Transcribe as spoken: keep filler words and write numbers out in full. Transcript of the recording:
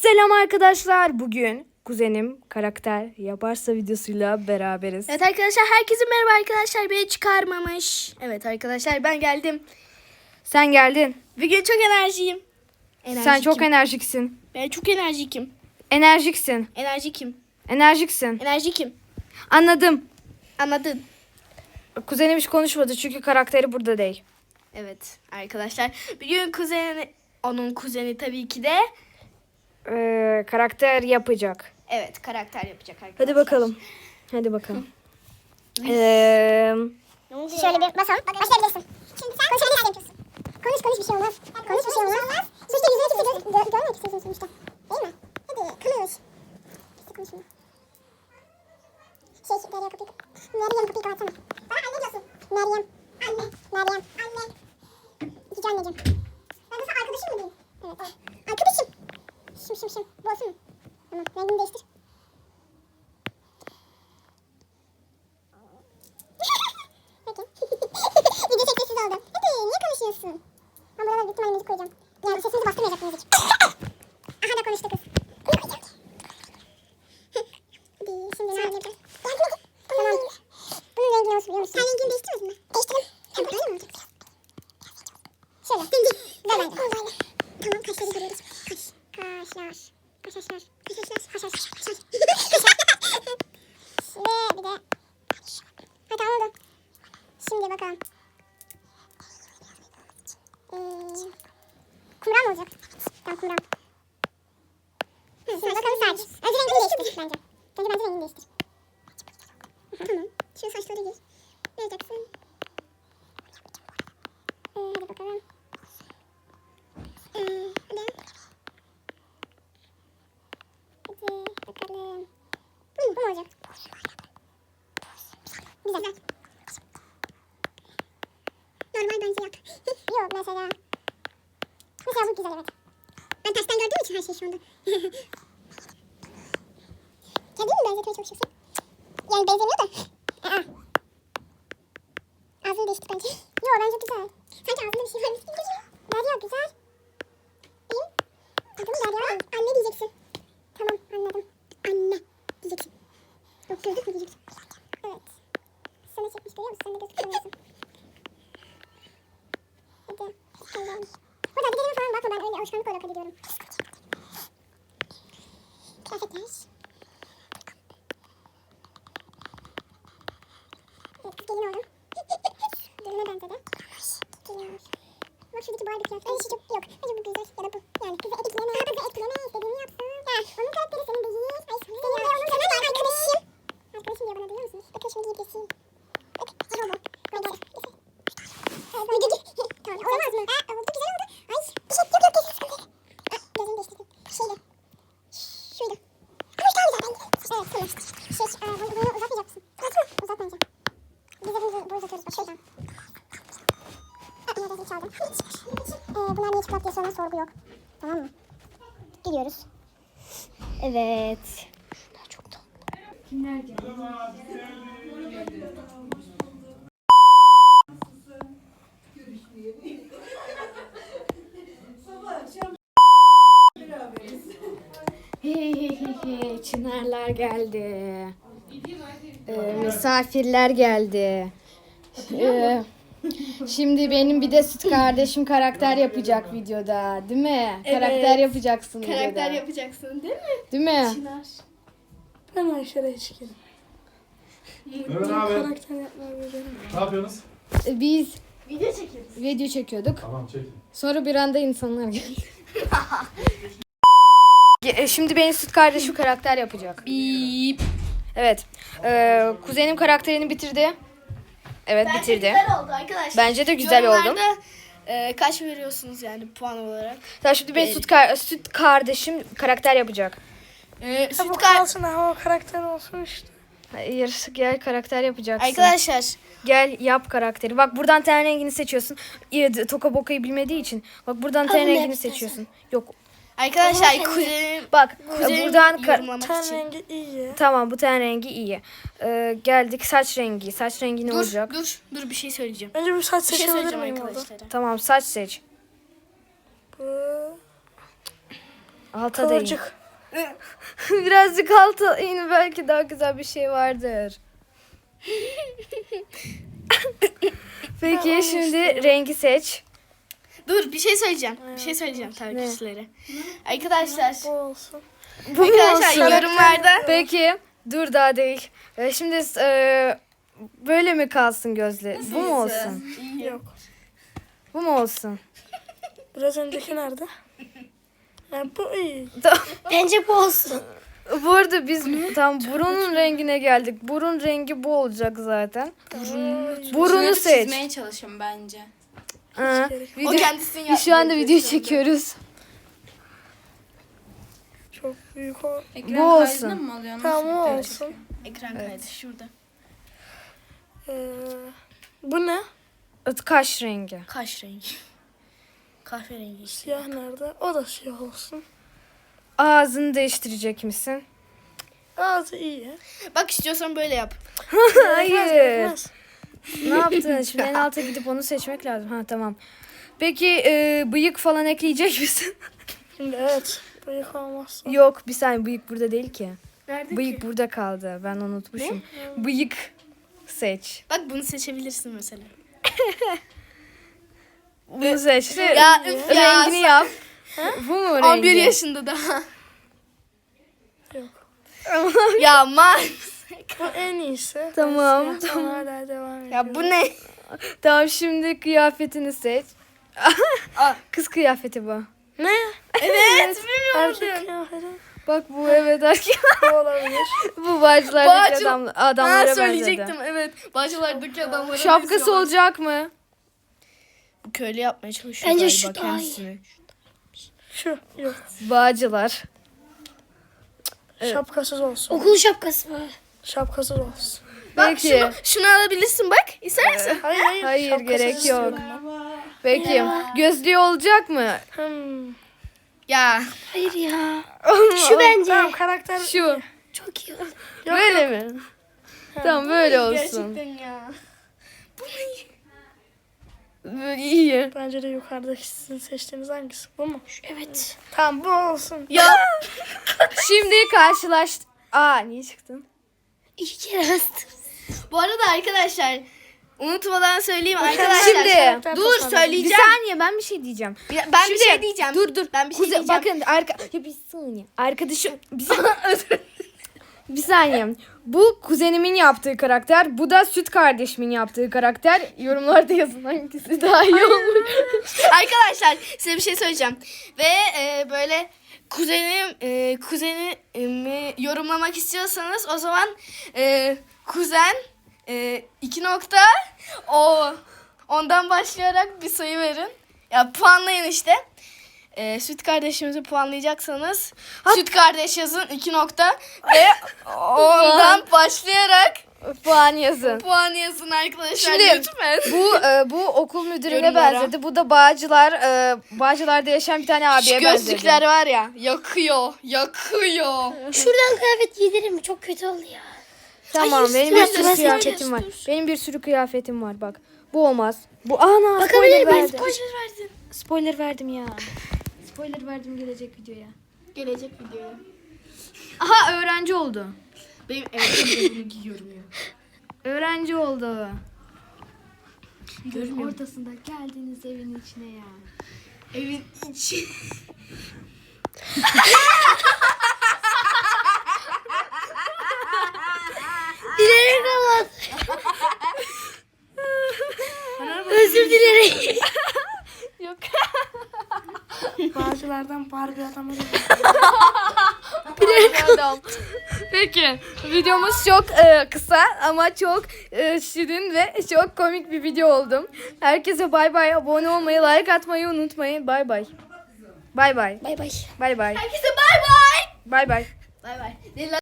Selam arkadaşlar. Bugün kuzenim karakter yaparsa videosuyla beraberiz. Evet arkadaşlar, herkese merhaba arkadaşlar. Beni çıkarmamış. Evet arkadaşlar, ben geldim. Sen geldin. Bugün çok enerjiyim. Sen çok enerjiksin. Ben çok enerjikim. Enerjiksin. Enerjikim. Enerjiksin. Enerjikim. Anladım. Anladın? Kuzenim hiç konuşmadı çünkü karakteri burada değil. Evet arkadaşlar. Bugün kuzeni, onun kuzeni tabii ki de. Ee, karakter yapacak. Evet, karakter yapacak arkadaşlar. Hadi bakalım. Hadi bakalım. Ee, Şöyle bir basalım. Başlayabilirsin. Şimdi sen konuşabilirsin yapıyorsun. Konuş konuş bir şey olmaz. Konuş bir şey olmaz. Sonuçta yüzüne kimse gö gö görmek istiyorsun sonuçta. Değil mi? Hadi konuş. İşte konuşma. Şey Derya kapıyı Meryem kapıyı kapatsana. Bana anne diyorsun. Meryem. Anne. Meryem. Anne. Cici anneciğim. Ben de sana arkadaşım mı diyeyim? Evet. Arkadaşım. Şım şım şım. Bu olsun mu? Tamam. Rengini değiştir. Peki. Video çekmesiz oldu. Hadi niye konuşuyorsun? Ben buralara büyük ihtimalle müzik koyacağım. Yani sesinizi bastırmayacak müzik. Aha da konuştu kız. Hadi şimdi ne yapacağız? Tamam. Bunun rengi olsun biliyor musun? Sen rengini değiştirmedin mi? Değiştirdim. Tamam öyle mi olacak? Şöyle. Rengi. Güzel bence. Tamam kaşları görüyoruz. Kaş. Kaşlar. Kaşlar. Kaşlar. Kaşlar. Kaşlar. Ve bir de. Ha tamam oldu. Şimdi bakalım. Ee, kumral mı olacak? Tamam kumral. Hı, şimdi bakalım saç. Önce rengini değiştir bence. Önce bence rengini değiştir. Tamam. Şu saçları giy. Ne yapacaksın? Ee, hadi bakalım. Ee, hadi. Hadi bakalım. Hı, bu mu olacak? Güzel. Normal bence yap. Yok mesela. Mesela bu güzel evet. Ben tersten gördüğüm için her şey şu anda. Kendin mi benzetmeye çalışıyorsun? Yani benzemiyor da. Aa. Ağzını değiştir bence. Yok bence güzel. Sanki ağzında bir şey varmış gibi geliyor. Derya güzel. Benim adım Derya. Anne diyeceksin. Tamam anladım. Anne diyeceksin. Yok gözlük mü diyeceksin? Evet. Sana çekmiş görüyor musun? Sen de gözlük kullanıyorsun. Hadi. Allah'ım. Burada adilerime falan bakma, ben öyle alışkanlık olarak adiyorum. Kıyafetler. Evet kız gelin oldum. Geline benzedi. Gelin olmuş. Bak şuradaki Barbie kıyafet. Ay şu çok yok. Bence bu güzel ya da bu. Yani kızı etkileme. Ha kızı etkileme istediğini yapsın. Ya onun karakteri senin değil. Ay senin de onun senin de arkadaşım. Arkadaşım diyor bana duyuyor musunuz? Bakın şunu giyip geçeyim. Bak araba. Böyle. Tamam olamaz mı? Aa oldu güzel oldu. Ay bir şey yok yok kesin sıkıntı yok. Aa gözümü değiştirdim. Şeyle. Şuydu. Ama işte daha güzel bence. Evet tamam. Şey e, bunu, bunu uzatmayacak mısın? Uzatma. Uzatmayacağım. Biz de bunu, bunu uzatıyoruz bak şuradan. Aa yine rezil çaldım. Ee, bunlar niye çıplak diye sonra sorgu yok. Tamam mı? Gidiyoruz. Evet. Şunlar çok tatlı. Kimler geldi? Hey hey hey hey, Çınarlar geldi. Ee, misafirler geldi. Ee, şimdi benim bir de süt kardeşim karakter yapacak videoda, değil mi? Evet. Karakter yapacaksın Karakter videoda. yapacaksın değil mi? Değil mi? Çınar. Hemen şuraya çıkalım. Evet abi. Karakter yapmayı öğrenelim. Ne yapıyorsunuz? Ee, Biz Video çekeriz. video çekiyorduk. Tamam çekin. Sonra bir anda insanlar geldi. E, Şimdi benim süt kardeşim karakter yapacak. Bip. Evet. Ee, kuzenim karakterini bitirdi. Evet Bence bitirdi. güzel oldu arkadaşlar. Bence de güzel oldu. Yorumlarda, e, kaç veriyorsunuz yani puan olarak? Tamam şimdi benim süt, kar- süt kardeşim karakter yapacak. E, Ha, bu süt kar- kalsın ha, o karakter olsun işte. Hayır gel karakter yapacaksın. Arkadaşlar Gel yap karakteri. Bak buradan ten rengini seçiyorsun. İyi, Toka bokayı bilmediği için. Bak buradan ten Alın rengini hepsini. seçiyorsun. Yok. Arkadaşlar kuzenim Bak kuzenim buradan ka- yorumlamak Ten için. rengi iyi. tamam bu ten rengi iyi. Ee, geldik saç rengi. Saç rengi ne Dur olacak? dur dur bir şey söyleyeceğim. Önce bir saç Bir şey seçebilir söyleyeceğim miyim orada? arkadaşlara. Tamam saç seç. Bu. Alta da in. Kıvırcık. Birazcık alta in, belki daha güzel bir şey vardır. Peki şimdi rengi seç. Dur bir şey söyleyeceğim. Bir şey söyleyeceğim takipçilere. Arkadaşlar. Bu olsun. Bu mu Arkadaşlar olsun? yorumlarda Peki dur daha değil. Ee, şimdi e, böyle mi kalsın gözle? Bu mu olsun? Yok. Bu mu olsun? Biraz önceki nerede? Ha, bu iyi. Bence bu olsun. Bu arada biz tam burunun rengine geldik. Burun rengi bu olacak zaten. Burunu seç. Çizmeye çalışın bence. Ha, o video, kendisini biz şu anda video çekiyoruz. Çok büyük o. Ekran Bu olsun. kaydını mı alıyorsun? Tamam o Nasıl? olsun. ekran kaydı şurada. Ee, bu ne? Kaş rengi. Kaş rengi. Kahverengi işte. Siyah nerede? O da siyah olsun. Ağzını değiştirecek misin? Ağzı iyi. Bak istiyorsan böyle yap. Hayır. Yetmez. Ne yaptın? Şimdi en alta gidip onu seçmek lazım. Ha tamam. Peki e, bıyık falan ekleyecek misin? Şimdi evet. Bıyık olmazsa. Yok, bir saniye, bıyık burada değil ki. Nerede Bıyık ki? burada kaldı. Ben unutmuşum. Bıyık seç. Bak bunu seçebilirsin mesela. Bunu seç. Ya üf ya. Rengini yap. Bu mu rengi? on bir yaşında daha. Yok. ya man. Bu en iyisi. Tamam, Ben siyahtan hala devam ediyorum. Ya bu ne? Tamam, şimdi kıyafetini seç. Kız kıyafeti bu. Ne? Evet. Erkek kıyafeti. Bak bu, evet, erkek. Bu olabilir. Bu bağcılardaki Bağcı- adam, Ha adamlara söyleyecektim benzedi. evet. Bahçelerdeki adamlara Şapkası benziyorlar. olacak mı? Köylü yapmaya çalışıyor Bence galiba şu daha iyi. kendisini. Şu. Yok. Bağcılar. Şapkasız olsun. Okul şapkası mı? Şapkasız olsun. Bak Peki. şunu, şunu alabilirsin bak. İster misin? Hayır hayır. Hayır, şapkasız gerek yok. istiyorum. Peki. Gözlüğü olacak mı? Hmm. Ya. Hayır ya. Şu bence. Tamam karakter. Şu. Çok iyi oldu. Böyle mi? Tamam, böyle olsun. Gerçekten ya. Böyle iyi. Bence de yukarıdaki sizin seçtiğiniz hangisi? Bu mu? Evet. Tamam bu olsun. Ya. Şimdi karşılaş... Aa, niye çıktın? İki kere bastım. Bu arada arkadaşlar unutmadan söyleyeyim arkadaşlar. Şimdi, dur Bir söyleyeceğim. saniye, ben bir şey diyeceğim. Ya, Ben Şimdi, bir şey diyeceğim. Dur dur. Ben bir şey Kuze- diyeceğim. Bakın arka... Ya bir saniye. Arkadaşım... Bir saniye. bir saniye. Bu kuzenimin yaptığı karakter. Bu da süt kardeşimin yaptığı karakter. Yorumlarda yazın hangisi daha iyi olur. Arkadaşlar size bir şey söyleyeceğim. Ve e, böyle kuzenim e, kuzenimi yorumlamak istiyorsanız o zaman e, kuzen e, iki nokta o ondan başlayarak bir sayı verin. Ya puanlayın işte. E, süt kardeşimizi puanlayacaksanız süt kardeş yazın iki nokta ve ondan başlayarak Puan yazın. puan yazın arkadaşlar Şimdi, lütfen. Bu e, bu okul müdürüne Yorumlara. benzedi. Bu da Bağcılar e, Bağcılar'da yaşayan bir tane Şu abiye benzedi. gözlükler var ya yakıyor yakıyor. Şuradan kıyafet giydirir mi? Çok kötü oldu ya. Tamam, Hayır, benim bir dur, sürü dur, kıyafetim dur, var. dur. Benim bir sürü kıyafetim var bak. Bu olmaz. Bu ana spoiler Bakabilir miyim? verdim. Spoiler Spoiler verdim ya. Spoiler verdim gelecek videoya. Gelecek videoya. Aha, öğrenci oldu. Benim evet ben bunu giyiyorum ya. Öğrenci oldu. Görmüyorum. Ortasında geldiniz evin içine ya. Evin içi. Dilerim kapat. Özür dilerim. Yok. Bağcılardan Barbie adamı gibi. Adam. Peki, videomuz çok e, kısa ama çok e, şirin ve çok komik bir video oldu. Herkese bay bay. Abone olmayı, like atmayı unutmayın. Bay bay. Bay bay. Bay bay. Bay bay. Herkese bay bay. Bay bay. Bay bay.